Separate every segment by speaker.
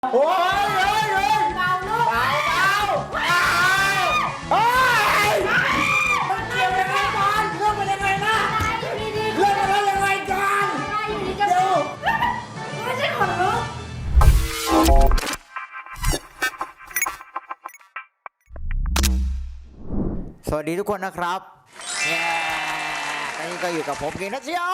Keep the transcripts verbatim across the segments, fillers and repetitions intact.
Speaker 1: โอ้ยเฮ้ยเฮ้ยเบาลูกเบาเบาเบาเฮ้ยมันเกี่ยวยังไงกันเรื่องมันยังไงนะเรื่องมันยังไงกันเดี๋ยวไม่ใช่คนรู้สวัสดีทุกคนนะครับตอนนี้ก็อยู่กับผมกินนัทเชียว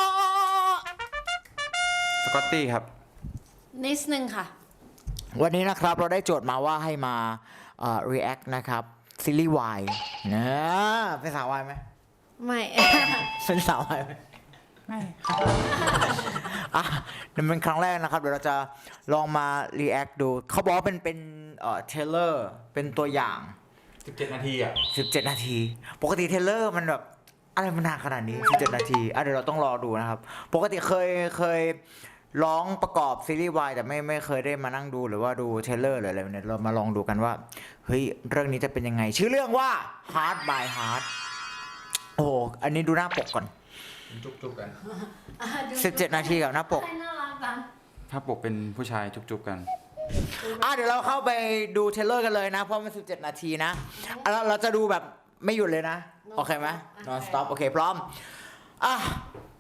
Speaker 2: สกอตตี้ครับ
Speaker 3: นิดนึงค่ะ
Speaker 1: วันนี้นะครับเราได้โจทย์มาว่าให้มาเอ่อ react นะครับซีรีส์วายนะเป็นสาววายไหม
Speaker 3: ไม่
Speaker 1: เป็นสาววายไหมไม่อ่ะนี่เป็นครั้งแรกนะครับเดี๋ยวเราจะลองมา react ดูเขาบอกว่าเป็นเป็นเอ่อเทเลอร์เป็นตัวอย่าง
Speaker 2: สิบเจ็ดนาทีอ่ะ
Speaker 1: สิบเจ็ดนาทีปกติเทเลอร์มันแบบอะไรมันนานขนาดนี้สิบเจ็ดนาทีอ่ะเดี๋ยวเราต้องรอดูนะครับปกติเคยเคยร้องประกอบซีรีส์วายแต่ไม่ไม่เคยได้มานั่งดูหรือว่าดูเทเลอร์หรืออะไรเนี่ยเรามาลองดูกันว่าเฮ้ยเรื่องนี้จะเป็นยังไงชื่อเรื่องว่า Heart by Heart โอ้โหอันนี้ดูหน้าปกก่อน
Speaker 2: จุ๊บๆกัน
Speaker 1: สิบเจ็ดนาทีกับหน้าปก
Speaker 3: น่ารักจัง
Speaker 2: ถ้าปกเป็นผู้ชายจุ๊บๆกัน
Speaker 1: อ่ะเดี๋ยวเราเข้าไปดูเทเลอร์กันเลยนะเพราะมันสิบเจ็ดนาทีนะเราเราจะดูแบบไม่หยุดเลยนะโอเคไหม non stop โอเคพร้อมอ่ะไป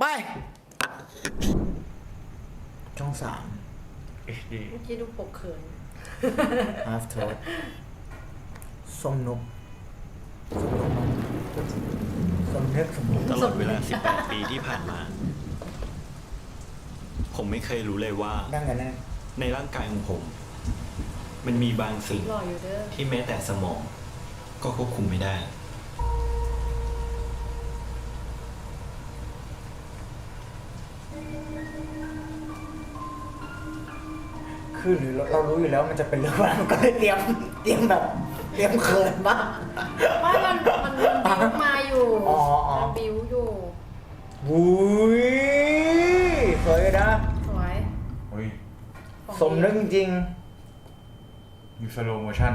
Speaker 1: ช่องสาม
Speaker 3: เมื่อกี้ดูปกเขิน
Speaker 1: Half Toad ส้มนกส้มเล็กส้มนก
Speaker 4: ตลอดเวลาสิบแปดปีที่ผ่านมาผมไม่เคยรู้เลยว่าในร่างกายของผมมันมีบางสิ่งที่แม้แต่สมองก็ควบคุมไม่ได้
Speaker 1: คือหรือเรารู้อยู่แล้วมันจะเป็นเรื่องอะไรมันก็เลยเตรียมเตรียมแบบเตรียมเขินมาก
Speaker 3: ไม่มันมันบิ้วมาอยู่มันบิ้วอยู่
Speaker 1: วุ้ยสวยนะ
Speaker 3: สวย
Speaker 2: อุ้ย
Speaker 1: สมนึกจริง
Speaker 2: อยู่สโลโมชั่น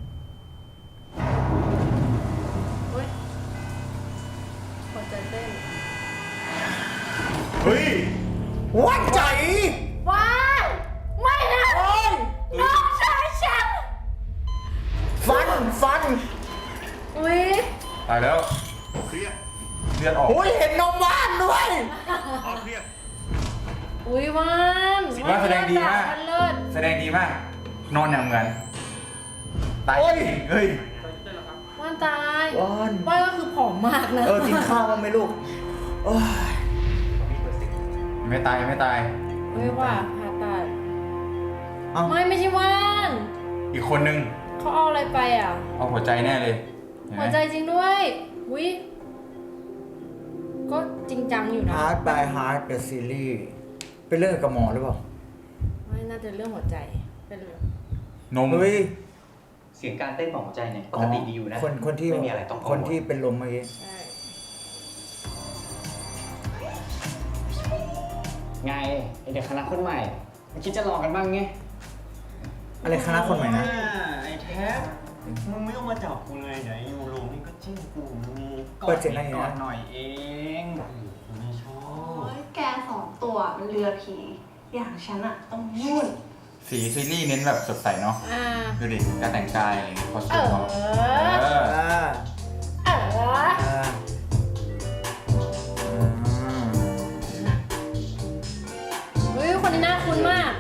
Speaker 3: เฮ้ยหัวใจเต้น
Speaker 2: เฮ้ย
Speaker 1: วัดใจ
Speaker 3: ว้าวไม่นะน้องชายฉัน
Speaker 1: ฟันฟัน
Speaker 3: อุ้ย
Speaker 2: ตายแล้วเครียดเลือดออก
Speaker 1: อุ้ยเห็นนมว่านด้วย
Speaker 2: เครียด
Speaker 3: อุ้ยว่าน
Speaker 2: ว่านแสดงดีมากแสดงดีมากนอนอย่างเหมือนตายเฮ้ย
Speaker 3: ว่านตาย
Speaker 1: ว่าน
Speaker 3: ว่านก็คือผอมมากนะ
Speaker 1: เออกินข้าวบ้างไหมลูก
Speaker 2: ไม่ตายไม่ตาย
Speaker 3: ไม่ว่าผ่าตัดไม่ไม่ใช่ว่าน
Speaker 2: อีกคนนึง
Speaker 3: เขาเอาอะไรไปอ่ะ
Speaker 2: เอาหัวใจแน่เลย
Speaker 3: หัวใจจริงด้วยวิก็จริงจังอยู่นะ
Speaker 1: Heart by Heart the series เป็นเรื่องกับหมอหรือเปล่า
Speaker 3: ไม่น่าจะเรื่องหัวใจเป็นเรื่อง
Speaker 2: นม
Speaker 5: เสียงการเต้นของหัวใจเนี่ยปกติดีอยู่นะ
Speaker 1: คนคนที่
Speaker 5: ไม่มีอะไรต้อง
Speaker 1: คนที่เป็นลมเมื่อกี้
Speaker 5: ไงไอเด็กคณะคนใหม่ไม่คิดจะลองกันบ้างไง
Speaker 1: อะไรคณะคนใหม่นะ
Speaker 5: ไอแท็บมึงไม่ต้องมาจับกูเลยเดี๋ยวยูโรนี่ก็จิ้มกูมี
Speaker 1: กอดก่
Speaker 5: อนหน่อยเองไม่ชอบ
Speaker 6: แกสองตัวมันเรือผีอย่างฉันอะต้องนุ่น
Speaker 2: สีซีรีส์เน้นแบบสดใสเนาะดูดิการแต่งกายอะไรอย่างเงี้ยคอสตูมเขา
Speaker 3: เออเออเฮ้ยคนนี้น่าคุ้นมาก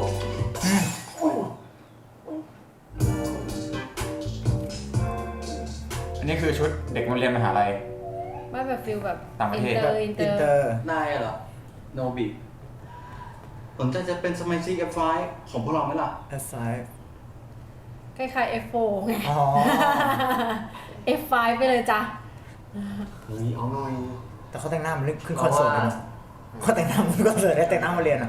Speaker 2: อันนี้คือชุดเด็กโรงเรียนมหาลัย
Speaker 3: ไม่แบบฟิลแบบ
Speaker 2: ต่างประเทศ
Speaker 3: อินเตอร์
Speaker 5: นายเหรอโนบิสนใจจะเป็นสมาชิก เอฟ ไฟว์ ของพวกเราไหมล่ะ
Speaker 1: เอฟ ไฟว์
Speaker 3: คล้ายๆ เอฟ โฟร์ ไง
Speaker 1: อ๋อ
Speaker 3: เอฟ ไฟว์ ไปเลยจ้ะ
Speaker 5: เฮ้ยเอาหน่อย
Speaker 1: แต่เขาแต่งหน้ามันขึ้นคอนเสิร์ตเลยนะเขาแต่งหน้ามันคอนเสิร์ตได้แต่งหน้ามาเรียนอ่ะ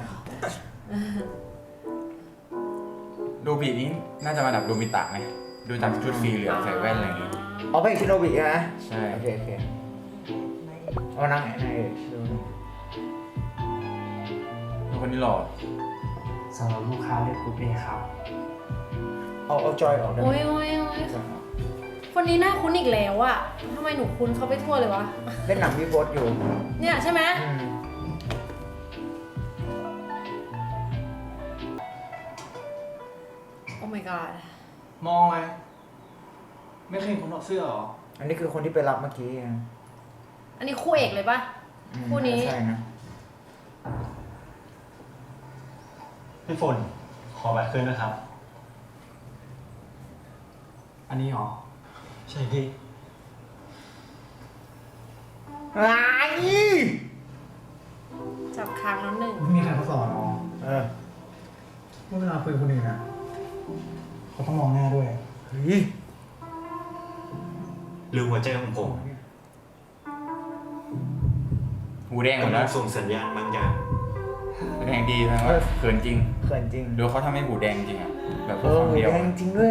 Speaker 2: โดบินี้น่าจะมาดับโดมิตะไงดูตามชุดสีเหลืองใส่แว่นอะไรอย่างงี้
Speaker 1: อ๋อเป็นชิโนบิใช่ไหม
Speaker 2: ใช่
Speaker 1: โอเคโอเคเอานั่งไหนไหน
Speaker 2: คนนี้หล่อ
Speaker 5: สำหรับลูกค้าเรียกกูเป้ครับ
Speaker 1: เอาเอาจอยออกได้
Speaker 3: โอ้ยโอ้ยโอ้ยคนนี้น่าคุ้นอีกแล้วอะทำไมหนูคุ้นเขาไปทั่วเลยวะ
Speaker 1: เล่นหนังพี่โบ๊ทอยู่
Speaker 3: เนี่ยใช่ไหม Oh my god
Speaker 5: มองอะไรไม่เคยเห็นคนถอดเสื้อเหรอ
Speaker 1: อันนี้คือคนที่ไปรับเมื่อกี้อ่ะ
Speaker 3: อันนี้คู่เอกเลยปะ
Speaker 1: อืม
Speaker 3: คู่นี้
Speaker 1: ใช่นะ
Speaker 4: พี่ฝนขอบัตรคืนนะครับ
Speaker 5: อันนี้เหรอ
Speaker 4: ใช่พี่
Speaker 1: อะไร
Speaker 3: จับค้างแล้วหนึ่ง
Speaker 5: มีใครเขาสอนอ๋อ
Speaker 1: เออ
Speaker 5: เมื่อเวลาคุยกับคนอื่นนะเขาต้องมองหน้าด้วย
Speaker 1: เฮ้ย
Speaker 4: หรือหัวใจของผม
Speaker 2: หูแดงหมด
Speaker 4: กำลั
Speaker 2: แล้
Speaker 4: ง
Speaker 2: ว
Speaker 4: ส่งสัญญาณบางอย่าง
Speaker 2: หูแดงดีนะว่าเขินจริง
Speaker 1: เขินจริง
Speaker 2: ดูเขาทำให้หูแดงจริงอ่ะ แบบ
Speaker 1: เอ
Speaker 2: พูด
Speaker 1: อ
Speaker 2: คำ
Speaker 1: หู
Speaker 2: เดียว
Speaker 1: แดงจริงด้วย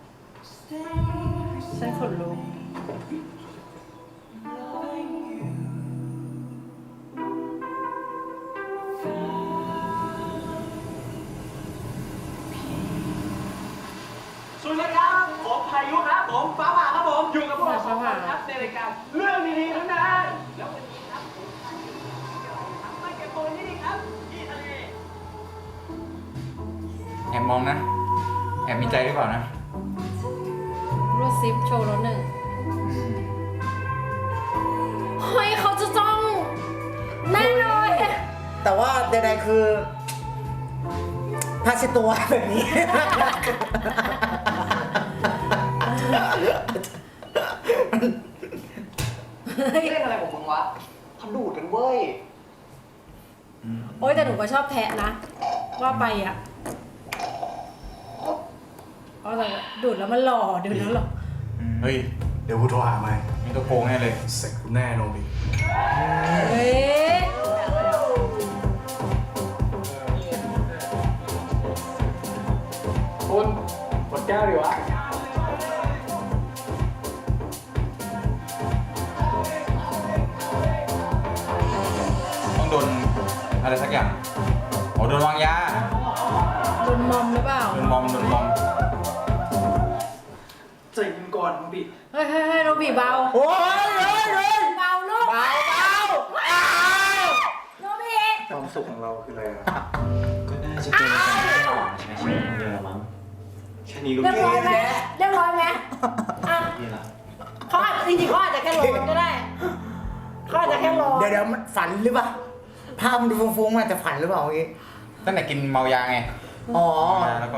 Speaker 3: ฉันขนลุก
Speaker 5: สวัสดีครับผมพายุครับผมฟ้าผ่าครับผมอยู่กับพวกเราสองคนครับในรายการเรื่องดีๆทั้งนั้นแล้ววันนี้ครับผมพายุครับไม่เก็บตัวที่นี่ครับที่ทะเล
Speaker 2: แอบมองนะ แอบมีใจหรือเปล่านะ
Speaker 3: รูดซิปโชว์แล้วหนึ่งเฮ้ยเขาจะจ้องแน่เลย
Speaker 1: แต่ว่าใดๆคือผ้าเช็ดตัวแบบนี้
Speaker 5: เล่นอะไรของมึงวะเขาดูดกันเว้ย
Speaker 3: โอ๊ยแต่หนูก็ชอบแทะนะ ว่าไปอ่ะอ๋อแต่ดูดแล้วมันหล่อดูดแล้วหล่อ
Speaker 2: เฮ้ย
Speaker 5: เดี๋ยวกูโทรหาใหม่
Speaker 2: มีตัวโกงแน่เลย
Speaker 5: เสร็จกูแน่โนบิ
Speaker 3: เฮ้ย
Speaker 5: คุณกดแก้วดีวะ
Speaker 2: ต้องโดนอะไรสักอย่างโอ้โดนวางยา
Speaker 3: โดนมอมหรือเปล่า
Speaker 2: โดนมอมโดนมอม
Speaker 5: ใจเย็นก่อนโนบิ
Speaker 3: เฮ้ยเฮ้ยเฮ้ยโนบีเบา
Speaker 1: โอ้ยเฮ้ยเฮ้ย
Speaker 3: เบาลูก
Speaker 1: เบาเบาอ้าว
Speaker 3: โนบี
Speaker 5: ความสุขของเราคืออะไรอะ
Speaker 4: ก็น่าจะเป็นการใช้ชีวิตคนเดียวละมั้งแค่นี้ก็
Speaker 3: เรียบร้อยไหม
Speaker 4: แย่
Speaker 3: เรียบร้อยไหมอ่ะ
Speaker 4: นี่ละ
Speaker 3: เขาอาจจริงๆเขาอาจจะแค่ร้อนก็ได้เขาอาจจะแค่ร้อน
Speaker 1: เดี๋ยวเดี๋ยวมันฝันหรือเปล่าภาพมันดูฟุ้งๆมันอาจจะฝันหรือเปล่าเมื่อกี้
Speaker 2: ตั้งแต่กินเมายาไง
Speaker 1: อ๋อ
Speaker 2: เมายาแล้วก็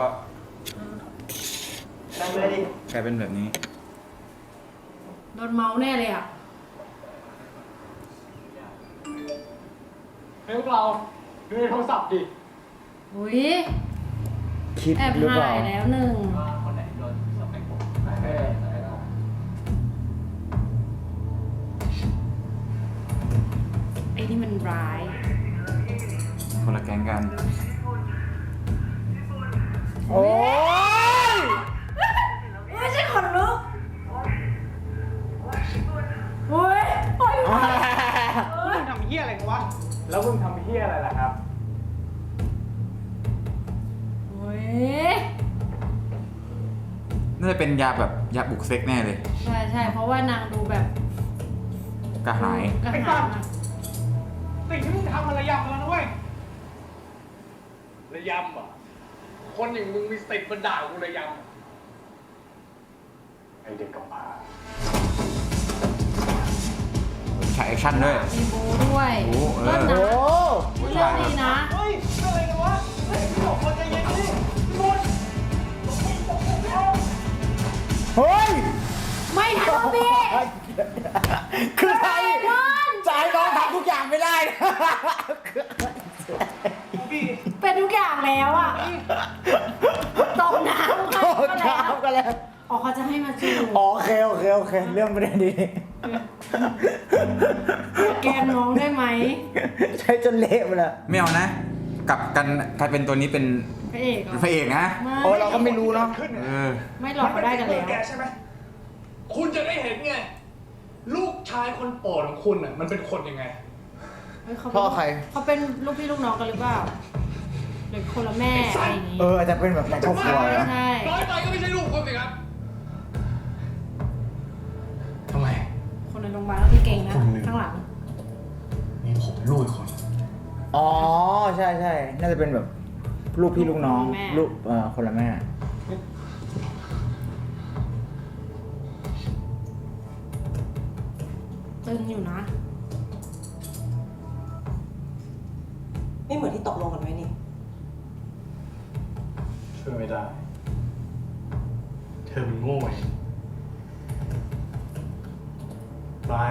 Speaker 1: นั่งเลยดิ
Speaker 2: กลายเป็นแบบนี้
Speaker 3: โดนเมาแน่เลยอ่ะ
Speaker 5: เฮ้ยพวกเราดูในโทรศัพท์ดิ
Speaker 3: อุ้ย
Speaker 1: คิด
Speaker 3: แอบ
Speaker 1: หรือเป
Speaker 3: ถ่า
Speaker 1: ล่า
Speaker 3: ยแล้วหนึ่ง
Speaker 5: คนไหนโดนสเปคผมเออ
Speaker 3: ไอ้นี่มันร้าย
Speaker 2: คนละแก๊งกัน
Speaker 1: โอ้ย
Speaker 3: ไม่ใช่คนลุกโอ้ยโอ้ย
Speaker 5: มึงทำเฮี้ยอะไรกันวะ แล้วมึงทำเฮี้ยอะไรล่ะครับ
Speaker 3: โอ้ย
Speaker 2: น่าจะเป็นยาแบบยาบุกเซ็กแน่เลย
Speaker 3: ใช่ใช่เพราะว่านางดูแบบ
Speaker 2: กระหาย
Speaker 3: กระหายมาก
Speaker 5: สิ่งที่มึงทำมันระยำแล้วนะเว้ย ระยำอ่ะ คนอย่างมึงมีสติมาด่ากูระยำไอเด็กกำพร้า
Speaker 2: ฉากแอคชั่นด้วย
Speaker 3: มีบูด้วย
Speaker 2: โอ้เออ
Speaker 3: เลิศ
Speaker 1: โอ้
Speaker 3: นะเรื่องดีนะ
Speaker 5: เฮ้ยอะไรกันวะ เฮ้ยพี่บอกคนใจเย็นดิพี่บุญ
Speaker 1: เฮ้ย
Speaker 3: ไม่ทันพี่
Speaker 1: คือใคร
Speaker 3: นอน
Speaker 1: จะให้น้องทำทุกอย่างไม่ได้
Speaker 3: เป็นทุกอย่างแล้วอ่ะตกน้ำ
Speaker 1: โอ้
Speaker 3: ก็แล้ว
Speaker 1: ครับกันแล้ว
Speaker 3: อ๋อเขาจะให้มาจูบ
Speaker 1: อ๋อโอเคโอเคโอเค เรื่องประเด็นดี
Speaker 3: แกล้งน้องได้ไหม
Speaker 1: ใช้จนเละไปแล้ว
Speaker 2: ไม่เอานะ กลับกันกลายเป็นตัวนี้เป็น
Speaker 3: พระเอกเหรอ
Speaker 2: พระเอกนะ
Speaker 3: ไม่
Speaker 1: โอ้เราก็ไม่รู้เนาะ
Speaker 2: เออ
Speaker 3: ไม่หลอกเขาได้กันแล้ว
Speaker 5: แกใช่ไหม คุณจะได้เห็นไง ลูกชายคนโปรดของคุณอ่ะ มันเป็นคนยังไง
Speaker 3: เฮ้ยเขา
Speaker 1: พ่อใคร
Speaker 3: เขาเป็นลูกพี่ลูกน้องกันหรือเปล่าหรือคนละแม่อะไรอย่างงี้
Speaker 1: เอออาจจะเป็นแบบในครอบครัวนะ
Speaker 3: ใช่
Speaker 5: น้อยไปก็ไม่ใช่ลูกคุณสิครับ ทำไม
Speaker 3: คนในโรงพยาบาลก็คือเก่งนะ
Speaker 5: คนหนึ่ง
Speaker 3: ข้างหลัง
Speaker 5: มีผมลูกอีกคน
Speaker 1: อ๋อใช่ใช่น่าจะเป็นแบบลูกพี่ลูกน้องลูกเอ่อคนละแม่
Speaker 3: อยู่นะ
Speaker 7: ไม่เหมือนที่ตกลงกันไว้นี่
Speaker 8: ช่วยไม่ได้ เธอมันโง่เองบาย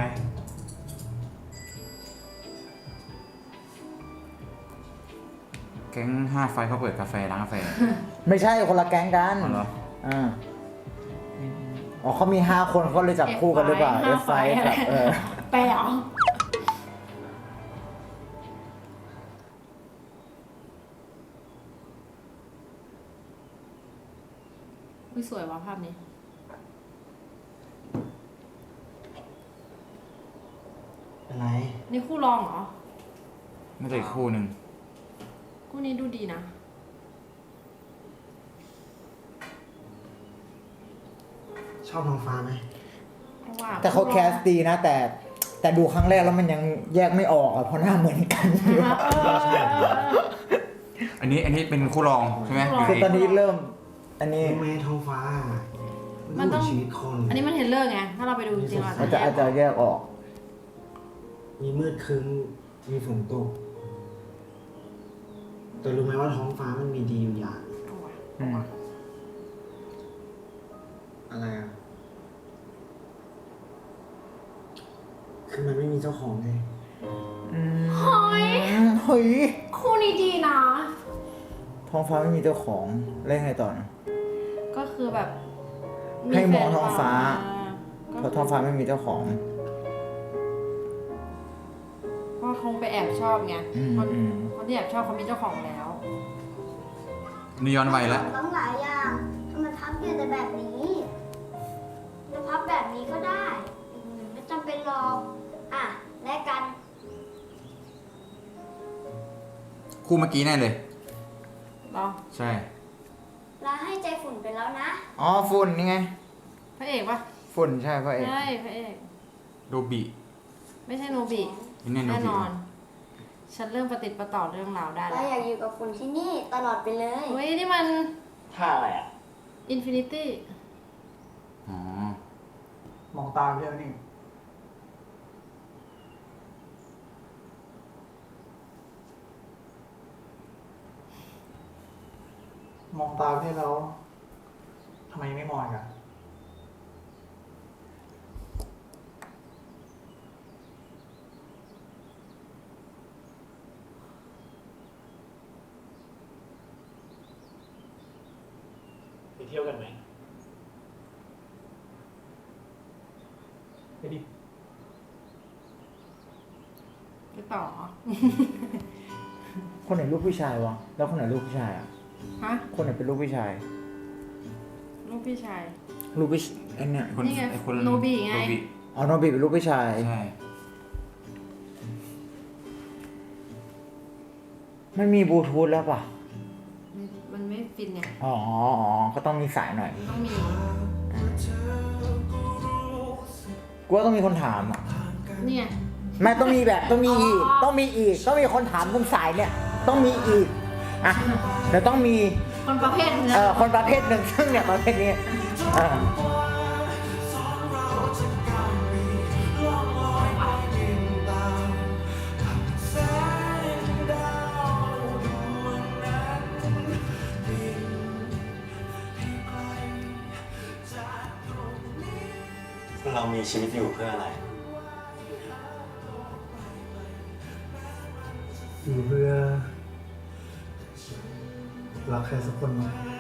Speaker 2: แก๊งห้าไฟเขาเปิดกาแฟร้านกาแฟ
Speaker 1: ไม่ใช่คนละแก๊งกัน
Speaker 2: อ๋อเหรอ
Speaker 1: อ่าอ๋อเขามีห้าคนเขาเลยจับคู่กันหรือเปล่า
Speaker 3: ห้า
Speaker 1: F
Speaker 3: ไฟ
Speaker 1: ไฟกับเออ
Speaker 3: แปลเหรออุ๊ยสวยว่ะภาพนี้
Speaker 1: อะไร
Speaker 3: นี่คู่รองเหรอ
Speaker 2: ไม่ใช่อีกคู่หนึ่ง
Speaker 3: คู่นี้ดูดีนะ
Speaker 9: ชอบท้องฟ้าไหม
Speaker 3: เพราะว่า
Speaker 1: แต่เขาแคสดีนะ แต่แต่ดูครั้งแรกแล้วมันยังแยกไม่ออกอะเพราะหน้าเหมือนกันอยู่
Speaker 3: เออเออเออเออ
Speaker 2: อันนี้อันนี้เป็นคู่รองใช่ไหม
Speaker 3: คู่รอง
Speaker 1: คือตอนนี้เริ่ม อันนี้
Speaker 9: รู้ไหมท้องฟ้า
Speaker 3: มั
Speaker 9: มัน น
Speaker 3: ต้
Speaker 9: ต้
Speaker 3: อ
Speaker 9: อง งชีวิตคน
Speaker 3: อันนี้มันเห็นเรื่องไง ถ้าเราไปดูจริงๆเรา
Speaker 1: มันจะอาจจะแยกออก
Speaker 9: มีมืดครึ้มมีฝนตก แต่รู้ไหมว่าท้องฟ้ามันมีดีอยู่อย่าง
Speaker 3: เอาว่ะ
Speaker 1: อืม
Speaker 9: อะไรอ่ะ คือมันไม่มีเจ้าของไง
Speaker 3: เฮ้ย
Speaker 1: เฮ้ย
Speaker 3: คู่นี้ดีนะ
Speaker 1: ท้องฟ้าไม่มีเจ้าของเล่นไงต่อนะ
Speaker 3: ก็คือแบบ
Speaker 1: ให้มองท้องฟ้า
Speaker 3: ก็
Speaker 1: เพราะท้องฟ้าไม่มีเจ้าของ
Speaker 3: เพราะคงไปแอบชอบไง
Speaker 1: อืม
Speaker 3: คน
Speaker 1: อืม
Speaker 3: คนที่แอบชอบเขามีเจ้าของแล้ว
Speaker 2: นี่ย้อนวัยแล้ว
Speaker 10: ต้องหลายอย่างทำไมพับอยู่แต่แบบนี้จะพับแบบนี้ก็ได้อืมไม่จำเป็นหรอก อ่ะแลกกัน
Speaker 2: คู่เมื่อกี้แน่เลย
Speaker 3: รอ
Speaker 2: ใช่
Speaker 10: ลาให้ใจฝุ่นไปแล้วนะ
Speaker 1: อ๋อฝุ่นนี่ไง
Speaker 3: พระเอกปะ
Speaker 1: ฝุ่นใช่พระเอก
Speaker 3: ใช่พระเอก
Speaker 2: โดบิ
Speaker 3: ไม่ใช่โนบิ
Speaker 2: นี่แน่โนบิ
Speaker 3: แน่นอน ฉันเริ่มประติดประต่อเรื่องราวได้
Speaker 10: เรา
Speaker 3: แล้ว
Speaker 10: อยากอยู่กับฝุ่นที่นี่ตลอดไปเลย
Speaker 3: เฮ้ยนี่มัน
Speaker 9: ท่าอะไรอ่ะ
Speaker 3: อินฟินิตี้
Speaker 2: อ๋อ
Speaker 8: มองตามเยอะนี่ มองตามที่แล้วทำไมไม่มองกัน ไปเที่ยวกันไหมไปดิ
Speaker 3: ไปต่อ
Speaker 1: คนไหนลูกผู้ชายวะ แล้วคนไหนลูกผู้ชายอ่ะ
Speaker 3: ฮะ
Speaker 1: คนไหนเป็นลูกผู้ชาย
Speaker 3: ลูกพี่ชาย
Speaker 1: ลูกผู้ชไอ้เนี่ย
Speaker 2: ไอ้คน
Speaker 3: นี่ไง
Speaker 2: ไอ้คน
Speaker 3: โนบิไง
Speaker 2: โนบิ
Speaker 1: อ๋อโนบิเป็นลูกผู้ชาย
Speaker 2: ใช่
Speaker 1: มันมีบลูทูธแล้วป่ะ
Speaker 3: มันมันไม่ฟินไง
Speaker 1: อ๋ออ๋อ ก็ต้องมีสายหน่อย
Speaker 3: ต้องมี
Speaker 1: กูว่าต้องมีคนถามอ่ะ
Speaker 3: เนี่ย
Speaker 1: ไม่ต้องมีแบบต้องมีอีก
Speaker 3: อ๋อ
Speaker 1: ต้องมีอีก ต้องมีคนถามตรงสายเนี่ย ต้องมีอีก อ่ะเดี๋ยวต้องมี
Speaker 3: คนประเภทนี้
Speaker 1: เอ่อคนประเภทหนึ่งซึ่งเนี่ยประเภทนี้เออ
Speaker 4: เรามีชีวิตอยู่เพื่ออะไร
Speaker 8: อยู่เพื่อรักใครสักคนไหม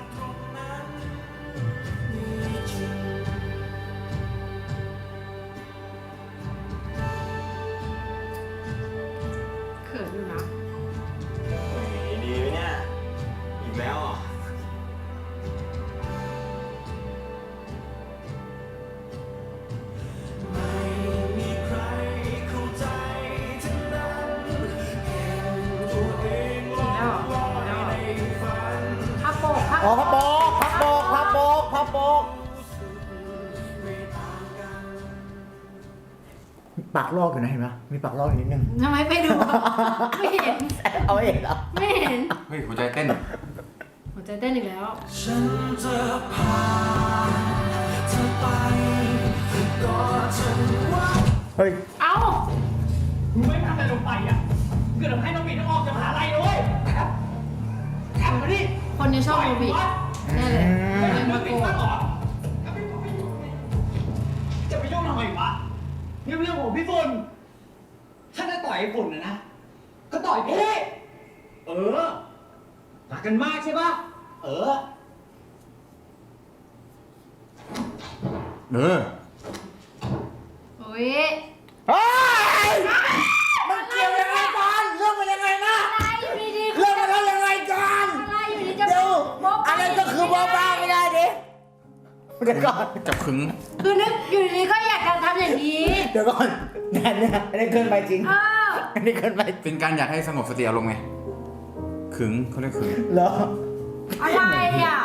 Speaker 3: เขินอยู่นะ
Speaker 4: ดีไหมเนี่ย อีกแล้วอ่ะ
Speaker 3: พับโปกพับ
Speaker 1: อ๋อพับโบกพับโบกพับโบกพับโบกปากลอกอยู่นะเห็นไหมมีปากลอกอยู่นิดนึง
Speaker 3: ทำไมไปดู ไม่เห็น
Speaker 1: เอาเองเหรอ
Speaker 3: ไม่เห็น
Speaker 2: เฮ้ยหัวใจเต้น
Speaker 3: หัวใจเต้นอีกแล้ว
Speaker 1: เฮ้ย
Speaker 3: เอ้าแน่เลยเป็นมาโกรธ
Speaker 5: จะไปยุ่งทำไมวะนี่เรื่องของพี่ฝุ่นถ้าจะต่อยไอ้ฝุ่นนะนะก็ต่อยพี่เออรักกันมากใช่ปะเออ
Speaker 2: เออ
Speaker 3: โอ้ย
Speaker 1: เฮ้ยมันเกี่ยวยังไงกันเรื่องมันยังไงนะ
Speaker 3: อะไรอยู่ดีๆ
Speaker 1: เรื่องมันแล้วยังไงกัน
Speaker 3: อะไรอยู่ดีจะ
Speaker 1: เดี๋ยว
Speaker 3: บอก
Speaker 1: อะไรก็คือบ้าบ้าไม่ได้ดิเดี๋ยวก่อน
Speaker 2: จับขึง
Speaker 3: คือนึกอยู่ดีๆก็อยากจะทำอย่างนี้
Speaker 1: เดี๋ยวก่อนเนี่ยเนี่ยอันนี้เกินไปจริง
Speaker 3: อ้าว
Speaker 1: อันนี้เกินไป
Speaker 2: เป็นการอยากให้สงบสติอารมณ์ไงขึงเขาเรียกขึง
Speaker 1: เหรอ
Speaker 3: อะไรอ่ะ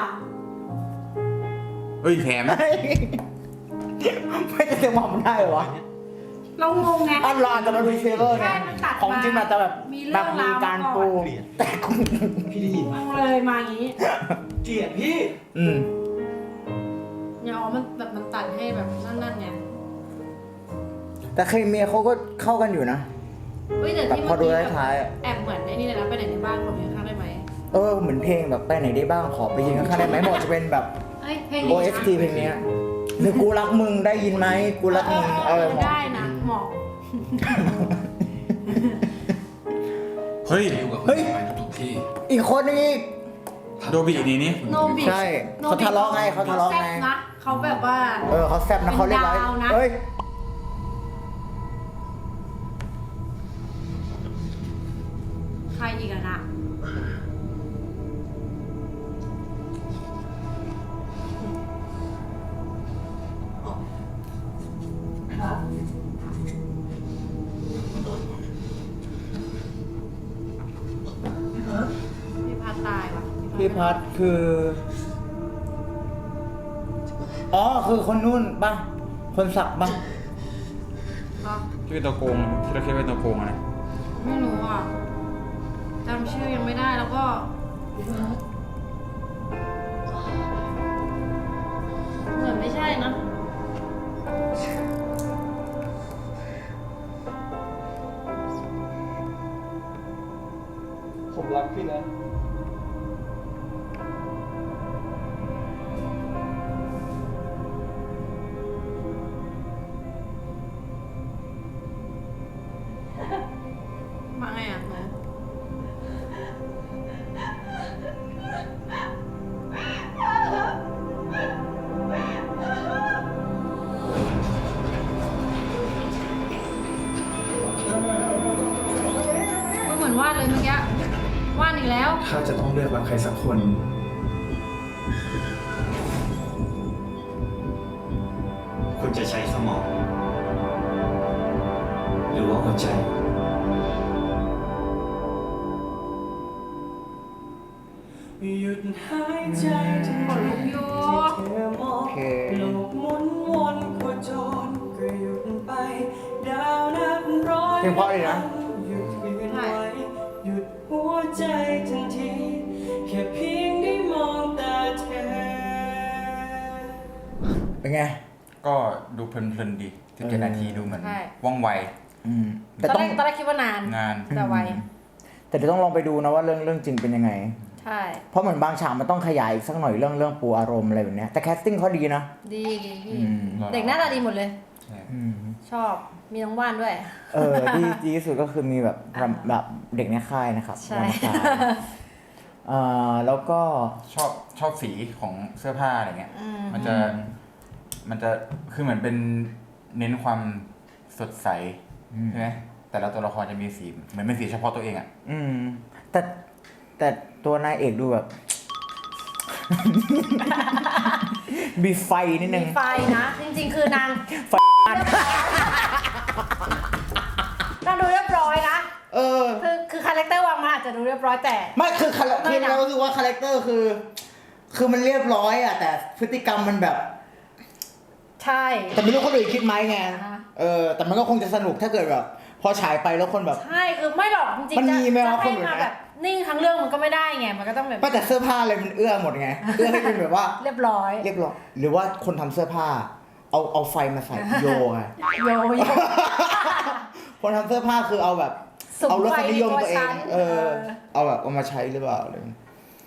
Speaker 2: เอ้ยแถม
Speaker 1: เฮ้ยไม่จะเต็มหมอมันได้เหรอวะ
Speaker 3: เรางงไง
Speaker 1: อันรออาจจะมาดูเทรลเลอร์ไง
Speaker 3: ใช่มันตัดมา
Speaker 1: ของจริงมันจะแบบ
Speaker 3: มีเรื่
Speaker 1: แบ
Speaker 3: อง
Speaker 1: บมีการ
Speaker 3: ราวมาก่อน
Speaker 1: ปูแต่กู
Speaker 5: พี่ได้ยินไหม
Speaker 3: งงเลยมาอย่างนี้
Speaker 5: เกลียดพี่
Speaker 1: อืม
Speaker 3: เนี่ยอ๋อมันแบบมันตัดให้แบบนั่นๆไง
Speaker 1: แต่เคมีเขาก็เข้ากันอยู่นะ
Speaker 3: เฮ้ยแต่
Speaker 1: แบบ
Speaker 3: ที่
Speaker 1: พอดู
Speaker 3: เมื่อกี้
Speaker 1: ท้ายๆอะ
Speaker 3: แอบเหมือนไอ้นี่เลยนะไปไหนในบ้านของยืนข้างได้ไหม
Speaker 1: เออเหมือนเพลงแบบไปไหนได้บ้างขอไปยิงข้างๆได้ไหมหมดจะเป็นแบบ
Speaker 3: เอ้ยเพลง
Speaker 1: โอ
Speaker 3: นี้
Speaker 1: เอส ที เพลงเนี้ยหรือกูรักมึงได้ยินไหมกูรักมึงเออหมด
Speaker 3: ได้นะเหมาะ
Speaker 2: เฮ้ย
Speaker 1: เฮ้ยอีกคนนึงอีก
Speaker 2: โดบินี่นี่
Speaker 3: โนบิ
Speaker 1: ใช่เขาทะเลาะไงเขาทะเลาะไง
Speaker 3: แซ่บนะเขาแบบว่า
Speaker 1: เออเขาแซ่บนะเขาเรียบร้อย
Speaker 3: เป็นดาวนะ
Speaker 1: เฮ้ย
Speaker 3: ใครอีกอะนะ พี่พัดตายว่ะ
Speaker 1: พี่พัดคือ อ๋อคือคนนู่นป่ะคนสักป่ะ
Speaker 3: อ๋อ
Speaker 2: ที่เป็นตัวโกงที่เราคิดว่าเป็นตัวโกงอะนะ
Speaker 3: ไม่รู้อ่ะจำชื่อยังไม่ได้แล้วก็เหมือนไม่ใช่นะ
Speaker 8: ผมรักพี่นะ
Speaker 3: มาไงอ่ะหนูมันเหมือนวาดเลยเมื่อกี้วาดอีกแล้ว
Speaker 9: ถ้าจะต้องเลือกรักใครสักคน
Speaker 4: คุณจะใช้สมอง หรือว่าหัวใจ
Speaker 5: หยุดหายใจทั้งหมด
Speaker 3: โย
Speaker 5: ที่เธอมอง
Speaker 1: โอเค
Speaker 5: โลกหมุนวนโคจรก็หยุดไปดาวนับร้อย
Speaker 1: เพลงเพราะดีนะ
Speaker 5: หยุดยืนไว้หยุดหัวใจทันทีแค่เพียงได้มองตาเธอ
Speaker 1: เป็นไง
Speaker 2: ก็ดูเพลินๆดีสิบเจ็ดนาทีดูเหมือน
Speaker 3: ใช่
Speaker 2: ว่องไว
Speaker 1: อืม
Speaker 3: ต
Speaker 1: แต่
Speaker 3: อน
Speaker 1: ต้
Speaker 3: แร
Speaker 1: อง
Speaker 3: กตอนแรกคิดว่านาน
Speaker 2: งาน
Speaker 3: แต่ไว
Speaker 1: แต่เดี๋ยวต้องลองไปดูนะว่าเรื่องเรื่องจริงเป็นยังไง
Speaker 3: ใช่
Speaker 1: เพราะเหมือนบางฉากมันต้องขยายอีกสักหน่อยเรื่องเรื่องปูอารมณ์อะไรแบบเนี้ยแต่แคสติ้งเขาดีนะ
Speaker 3: ดีดีพี่
Speaker 1: อืม
Speaker 3: เด็กหน้าตาดีหมดเลย
Speaker 1: อืม
Speaker 3: ชอบมีน้องว่านด้วย
Speaker 1: เออดีดีที่สุดก็คือมีแบบแบบเด็กในค่ายนะครับ
Speaker 3: ใช่
Speaker 1: รำคาญเอ่อแล้วก็
Speaker 2: ชอบชอบสีของเสื้อผ้าอะไรเงี้ย
Speaker 3: อืม
Speaker 2: มันจะมันจะคือเหมือนเป็นเน้นความสดใสใช่ไหมแต่ละตัวละครจะมีสีเหมือนเป็นสีเฉพาะตัวเองอ่ะ
Speaker 1: อืมแต่แต่ตัวนายเอกดูแบบ มีไฟนิดนึ
Speaker 3: มี
Speaker 1: ง
Speaker 3: ไฟนะ จริงๆ คือนาง
Speaker 1: ไฟ
Speaker 3: นางดูเรียบร้อยนะ
Speaker 1: เออ
Speaker 3: คือคือคาแรคเตอร์วางมาอาจจะดูเรียบร้อยแต่
Speaker 1: ไม่คือคาแร
Speaker 3: ไม่
Speaker 1: คือ
Speaker 3: นะ
Speaker 1: เรารู้สึกว่าคาแรคเตอร์คือ คือมันเรียบร้อยอ่ะ แต่พฤติกรรมมันแบบ
Speaker 3: ใช่
Speaker 1: แต่ไม่รู้คนอื่นคิดไหมไง
Speaker 3: อ่าฮะ
Speaker 1: เออ แต่มันก็คงจะสนุกถ้าเกิดแบบ พอฉายไปแล้วคนแบบ
Speaker 3: ใช่คือไม่หรอกจริง
Speaker 1: มัน
Speaker 3: ๆจะ
Speaker 1: มีไหม
Speaker 3: จะ
Speaker 1: วะ
Speaker 3: ให้
Speaker 1: คนอื่น
Speaker 3: มา
Speaker 1: นะ
Speaker 3: แบบนิ่งทั้งเรื่องมันก็ไม่ได้ไงมันก็ต้องแบบ
Speaker 1: ไม่แต่เสื้อผ้าอะไรมันเอื้อหมดไง เอื้อให้เป็นแบบว่า
Speaker 3: เรียบร้อย
Speaker 1: เรียบร้อย หรือว่าคนทำเสื้อผ้า เอาเอาไฟมาใส่โยไง
Speaker 3: โยโย่
Speaker 1: คนทำเสื้อผ้าคือเอาแบบ
Speaker 3: สุม
Speaker 1: เอารส
Speaker 3: ไฟ
Speaker 1: นิยม
Speaker 3: ในตัว
Speaker 1: ตัวเอ
Speaker 3: ฉั
Speaker 1: ง
Speaker 3: น
Speaker 1: เออ
Speaker 3: เออ
Speaker 1: เอาแบบเอามาใช้หรือเปล่าอะไรอย่างเงี้ย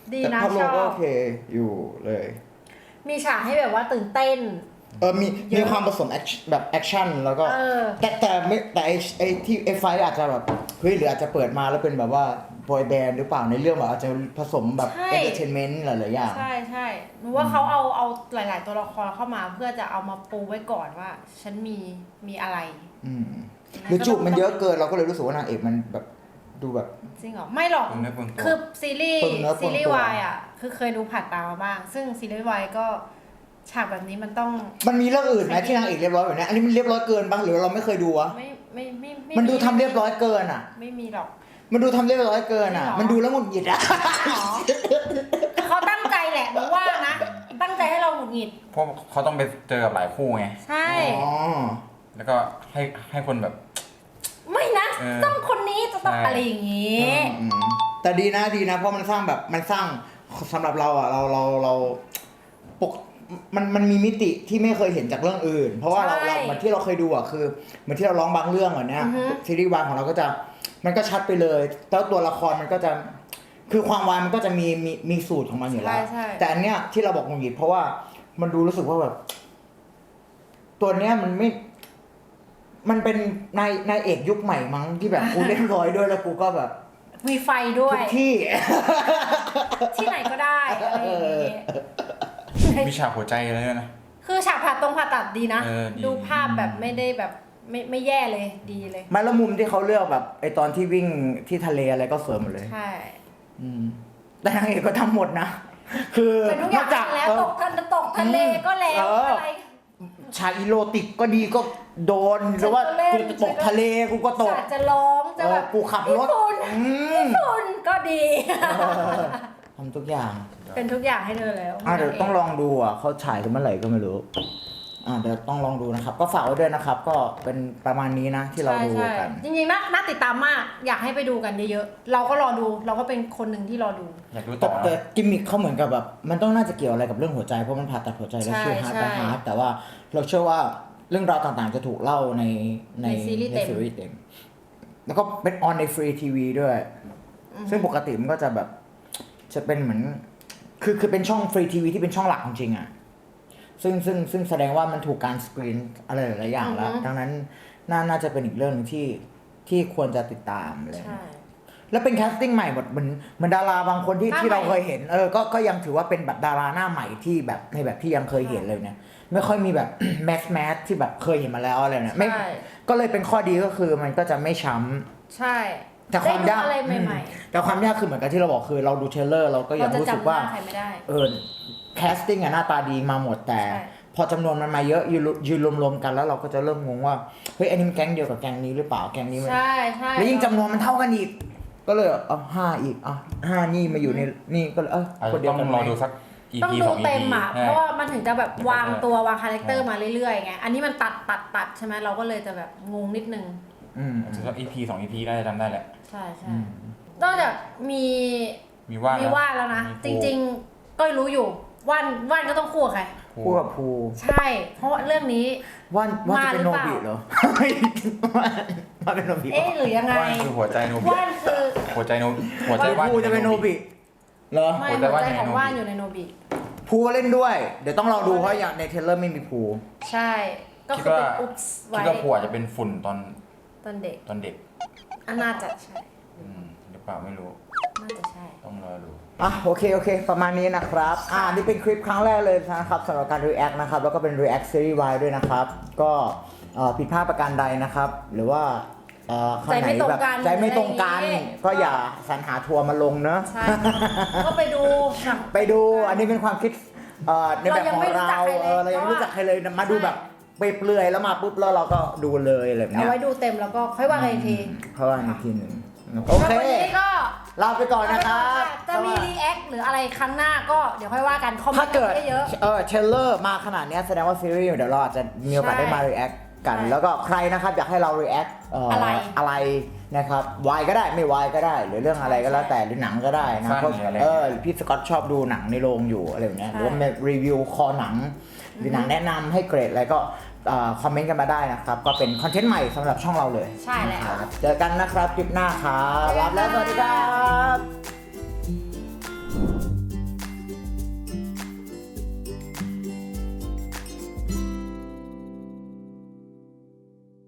Speaker 3: ดี
Speaker 1: แต่
Speaker 3: นะ
Speaker 1: ภาพร
Speaker 3: ช
Speaker 1: วม
Speaker 3: อ
Speaker 1: ก็
Speaker 3: บ
Speaker 1: โอเคอยู่เลย
Speaker 3: มีฉากให้แบบว่าตื่นเต้น
Speaker 1: เออมีมีความผสมแอคแบบแอคชั่นแล้วก็
Speaker 3: เออ
Speaker 1: แต่แต่ไม่แต่ไอไอที่ไอไฟอาจจะแบบเฮ้ยหรืออาจจะเปิดมาแล้วเป็นแบบว่าบอยแบนด์หรือเปล่าในเรื่องแบบอาจจะผสมแบบ
Speaker 3: ใช่
Speaker 1: เอนเตอร์เทนเมนต์หลายๆอย่าง
Speaker 3: ใช่ใช่หนูว่าเขาเอาเอาหลาย ๆ ตัวละครเข้ามาเพื่อจะเอามาปูไว้ก่อนว่า ฉันมีมีอะไร
Speaker 1: อืมหรือจูบมันเยอะเกินเราก็เลยรู้สึกว่านางเอกมันแบบดูแบบ
Speaker 3: จริงเหรอ ไม่หรอก
Speaker 2: เปลืองเนื้อเปลืองตัว
Speaker 3: คือซีรีส์
Speaker 1: เปลืองเนื้อเปลื
Speaker 3: ซี
Speaker 1: องตัว
Speaker 3: รีส์วายอ่ะ คือเคยดูผ่านตามาบ้าง ซึ่งซีรีส์วายก็ฉากแบบนี้มันต้อง
Speaker 1: มันมีเรื่องอื่นไหมที่นางเอกเรียบร้อยแบบนี้อันนี้มันเรียบร้อยเกินบ้างหรือเราไม่เคยดูวะ
Speaker 3: ไม่ไม่ไม่ไ
Speaker 1: มันดูทำเรียบร้อยเกินอ่ะ
Speaker 3: ไม่มีหรอก
Speaker 1: มันดูทำเรียบร้อยเกินอ่ะ
Speaker 3: จริงเหรอ
Speaker 1: มันดูแล้วหงุดหงิดอ่ะ
Speaker 3: หรอเขาตั้งใจแหละหนูว่านะ ตั้งใจให้เราหงุดหงิด
Speaker 2: เพราะเขาต้องไปเจอกับหลายคู่ไง
Speaker 3: ใช่
Speaker 1: อ๋อ
Speaker 2: แล้วก็ให้ให้คนแบบ
Speaker 3: ไม่นะ
Speaker 2: เออ
Speaker 3: ต้องคนนี้จะต้อง
Speaker 2: ใช่
Speaker 3: อะไรอย่างงี้
Speaker 1: อืมแต่ดีนะดีนะเพราะมันสร้างแบบมันสร้างสำหรับเราอ่ะเราเราเราปกมันมันมีมิติที่ไม่เคยเห็นจากเรื่องอื่น เพราะว่าเรา
Speaker 3: ใช่
Speaker 1: เราเหมือนที่เราเคยดูอ่ะคือเหมือนที่เราร้องบางเรื่องอ่ะเนี่ย
Speaker 3: อือฮึ
Speaker 1: ซีรีส์วายของเราก็จะมันก็ชัดไปเลยแล้วตัวละครมันก็จะคือความวายมันก็จะมีมีมีสูตรของมันอยู่แล้ว
Speaker 3: ใช่ใช่
Speaker 1: แต่อันเนี้ยที่เราบอกงุนหงิดเพราะว่ามันดูรู้สึกว่าแบบ ตัวเนี้ยมันไม่ มันเป็นนายนายเอกยุคใหม่มั้งที่แบบกูเล่นร้อยด้วยแล้วกูก็แบบ
Speaker 3: มีไฟด้ว
Speaker 1: ทุ
Speaker 3: ย
Speaker 1: กที่
Speaker 3: ที่ไหนก็ได้อะไรอย่างงี้
Speaker 2: มีฉากหัวใจเลยนะ
Speaker 3: คือฉากผ่าตรงผ่าตัดดีนะ
Speaker 2: เออดี
Speaker 3: ดูภาพแบบไม่ได้แบบไม่ไม่แย่เลยดีเลย
Speaker 1: ไมาละมุมที่เขาเลือกแบบไอตอนที่วิ่งที่ทะเลอะไรก็สวยหมดเลย
Speaker 3: ใช่
Speaker 1: อืมแต่นางเอกก็ทำหมดนะ คือ
Speaker 3: เป็นทุกอย่าง
Speaker 1: จาก
Speaker 3: แล้ว
Speaker 1: เออ
Speaker 3: ตกทะเลตกทะเลก็แล้ว
Speaker 1: เอออ
Speaker 3: อะไร
Speaker 1: ฉากอีโรติกก็ดีก็โดนหรือว่า
Speaker 3: ฉันก็เล่น
Speaker 1: กูจะตกทะเลกูก็ตก
Speaker 3: ฉากจะร้องจะแบบ
Speaker 1: เออกูขับรถ
Speaker 3: ญี่ปุ่น
Speaker 1: อืม
Speaker 3: ญี่ปุ่นก็ดี
Speaker 1: เออทำทุกอย่าง
Speaker 3: เป็นทุกอย่างให้เธอแล้ว
Speaker 1: อ่ะเดี๋ยวต้องลองดูอ่ะเขาฉายกันเมื่อไหร่ก็ไม่รู้อ่าเดี๋ยวต้องลองดูนะครับ ก็ฝากไว้ด้วยนะครับ ก็เป็นประมาณนี้นะที่เราดู
Speaker 3: ใช่
Speaker 1: กัน
Speaker 3: ใช่จริงๆน่าน่าติดตามมาก อยากให้ไปดูกันเยอะๆเราก็รอดูเราก็เป็นคนหนึ่งที่รอดู
Speaker 2: อยากดู
Speaker 1: แต่
Speaker 2: ต่อ
Speaker 1: แต่กิมมิคเขาเหมือนกับแบบมันต้องน่าจะเกี่ยวอะไรกับเรื่องหัวใจเพราะมันผ่าตัดหัวใจแล้ว
Speaker 3: ใช่
Speaker 1: ชื่อฮาร์ด
Speaker 3: ใช่
Speaker 1: ไปฮาร์ดแต่ว่าเราเชื่อว่าเรื่องราวต่างๆจะถูกเล่าในใน
Speaker 3: ในซีรีส์เต็ม
Speaker 1: ซีรีส์เต็มแล้วก็เป็นออนในฟรีทีวีด้วย ซึ่งปกติมันก็จะแบบจะเป็นเหมือนคือคือเป็นช่องฟรีทีวีที่เป็นช่องหลักจริงๆอ่ะซึ่งซึ่งซึ่งแสดงว่ามันถูกการสกรีนอะไรหลายๆอย่างแล้ว
Speaker 3: อือฮึ
Speaker 1: ดังนั้นน่าน่าจะเป็นอีกเรื่องหนึงที่ที่ควรจะติดตามอะไรอย่าง
Speaker 3: ใช่
Speaker 1: เลย แล้วเป็นแคสติ้งใหม่หมดเหมือนเหมือนดาราบางคนที่
Speaker 3: หน้า
Speaker 1: ที่เรา
Speaker 3: ใหม่
Speaker 1: เคยเห็นเออก็ก็ยังถือว่าเป็นแบบดาราหน้าใหม่ที่แบบในแบบที่ยังเคยเห็นเลยเนี่ยไม่ค่อยมีแบบ แมสแมสที่แบบเคยเห็นมาแล้วอะไรเนี่ยไม่
Speaker 3: ใช่
Speaker 1: ก็เลยเป็นข้อดีก็คือมันก็จะไม่ช้ำ
Speaker 3: ใช่
Speaker 1: แต่ความยาก
Speaker 3: ได้ดูอะไรใหม่
Speaker 1: อืมแต่ความยากคือเหมือนกับที่เราบอกคือเราดูเทรลเลอร์เราก็
Speaker 3: ๆ
Speaker 1: ยั
Speaker 3: เรา
Speaker 1: ง
Speaker 3: จะ
Speaker 1: รู้สึก
Speaker 3: จำห
Speaker 1: ว่า
Speaker 3: น้าใครไม่ได้
Speaker 1: เออแคสติ้งอะหน้าตาดีมาหมดแต่
Speaker 3: ใช่
Speaker 1: พอจำนวนมันมาเยอะยืนยืนรวมๆกันแล้วเราก็จะเริ่มงงว่าเฮ้ยอันนี้มันแก๊งเดียวกับแก๊งนี้หรือเปล่าแก๊งนี้มัน
Speaker 3: ใช่ใช่
Speaker 1: แล้วยิ่งจำนวนมันเท่ากันอีก ก็เลยเอาห้าอีกอ่ะห้านี่มาอยู่ในนี่ก็เลยเออ
Speaker 2: อาจ
Speaker 1: คน
Speaker 2: จะ
Speaker 1: เดีย
Speaker 2: ต้
Speaker 1: ว
Speaker 2: อง
Speaker 1: กัน
Speaker 2: รอดูสัก อี
Speaker 3: ต้อง
Speaker 2: พี
Speaker 3: ดู
Speaker 2: สอง อี
Speaker 3: เต็
Speaker 2: พี
Speaker 3: มอ่ะ
Speaker 2: ใช่
Speaker 3: เพราะว่ามันถึงจะแบบวางตัววางคาแรคเตอร์
Speaker 2: ใช่
Speaker 3: มาเรื่อยๆไง อันนี้มันตัดตัดตัดใช่ไหมเราก็เลยจะแบบงงนิดนึง
Speaker 1: อืม
Speaker 2: อาจจะสักอีพีสองอีพีได้จำได้แหละ
Speaker 3: ใช่ใช่
Speaker 1: อืม
Speaker 3: นอกจากมี
Speaker 2: มีว่าน
Speaker 3: มีว่านแล้วนะ จ
Speaker 2: มี
Speaker 3: ริงๆ ก็รู้อยู่ว่านว่านก็ต้องคู่กับใคร
Speaker 2: ครู
Speaker 1: คู่กับภู
Speaker 3: ใช่ เพราะว่าเรื่องนี้
Speaker 1: ว่านว่านจะเป็นโน
Speaker 3: มาหรือเปล่า
Speaker 1: บิเหรอ ว่านว่านเป็นโนบิเหร
Speaker 3: เอ๊ะหรือยังไง
Speaker 2: ว่านคือหัวใจโนบิ
Speaker 3: ว่านคือ
Speaker 2: หัวใจโนหัวใจว่าน
Speaker 1: ภูจะเป็นโนบิเหรอ
Speaker 3: ไม่
Speaker 2: หัว
Speaker 3: หั
Speaker 2: ใจ
Speaker 3: ว
Speaker 2: ว่าน
Speaker 3: ใจ
Speaker 2: อยู่ใน
Speaker 3: ของ
Speaker 2: โนบิ
Speaker 3: ว่านอยู่ในโนบิ
Speaker 1: ภูก็เล่นด้วย เดี๋ยวต้องรอดูเพราะอย่างในเทรลเลอร์ไม่มีภู
Speaker 3: ใช่ ก็
Speaker 2: คิด
Speaker 3: คือ
Speaker 2: ว่า
Speaker 3: เป็นอุ๊บส์
Speaker 2: คิ
Speaker 3: ไว้
Speaker 2: ดว่าครูอาจจะเป็นฝุ่นตอน
Speaker 3: ตอนเด็ก
Speaker 2: ตอนเด็ก
Speaker 3: อันน่าจะใช่
Speaker 2: อืมหรือเปล่าไม่รู้
Speaker 3: น่าจะใช่
Speaker 2: ต้องรอดู
Speaker 1: อ่ะโอเคโอเค ประมาณนี้นะครับ อ่านี่เป็นคลิปครั้งแรกเลยนะครับสำหรับการ react นะครับ แล้วก็เป็น react series Y ด้วยนะครับ ก็เอ่อผิดพลาดประการใดนะครับ หรือว่าเอ่อข้างไหนแบบ
Speaker 3: ใจไม่ตรงกัน
Speaker 1: ใจไม่ตรงกัน
Speaker 3: อะไรอย่างงี้
Speaker 1: ก็อย่าสรรหาทัวร์มาลงเนอะ
Speaker 3: ใช่ ก็ไปดูหนัง
Speaker 1: ไปดูอันนี้เป็นความคิดเอ่อในแบบของ
Speaker 3: เรายังไม่รู้จั
Speaker 1: เรา
Speaker 3: กใครเลย
Speaker 1: เออเรายังไม่รู้จักใครเลยมาดูแบบไปเปลือยแล้วมาปุ๊บแล้วเราก็ดูเลยอะไรแบบ
Speaker 3: เอา
Speaker 1: เนี้ย
Speaker 3: ไว้ดูเต็มแล้วก็ค่อยว่ากันอีกที
Speaker 1: เพราะว่าอีกทีหนึ่งโอเค
Speaker 3: แล้ววันนี้ก็
Speaker 1: ลาไปก่อนนะครับ
Speaker 3: จะมีรีแอคหรืออะไรครั้งหน้าก็เดี๋ยวค่อยว่ากันคอมเม
Speaker 1: ถ้าน
Speaker 3: ต์
Speaker 1: เกิด
Speaker 3: กันเยอะ
Speaker 1: เออเทรลเลอร์มาขนาดเนี้ยแสดงว่าซีรีส์เดี๋ยวเราอาจจะมีโอกาส
Speaker 3: ใช่
Speaker 1: ได้มา react กัน
Speaker 3: ใช่
Speaker 1: แล้วก็ใครนะครับอยากให้เรา react เอ่ออะไร อะไรนะครับวายก็ได้ไม่วายก็ได้ หรือเรื่องอะไรก็แล้วแต่หรือหนังก็ได้นะ
Speaker 2: สั้น
Speaker 1: เพราะ
Speaker 2: หรืออะไร
Speaker 1: เออพี่สกอตชอบดูหนังในโรงอยู่อะไรแบบเนี้ยหรือว่ารีวิวคอหนังหรือหนังแนะนำให้เกรดอะไรก็คอมเมนต์กันมาได้นะครับ ก็เป็นคอนเทนต์ใหม่สำหรับช่องเราเลย
Speaker 3: ใช่แล้ว
Speaker 1: นะครับเจอกันนะครับคลิปหน้าครับรับแล้วสวัสดีครับ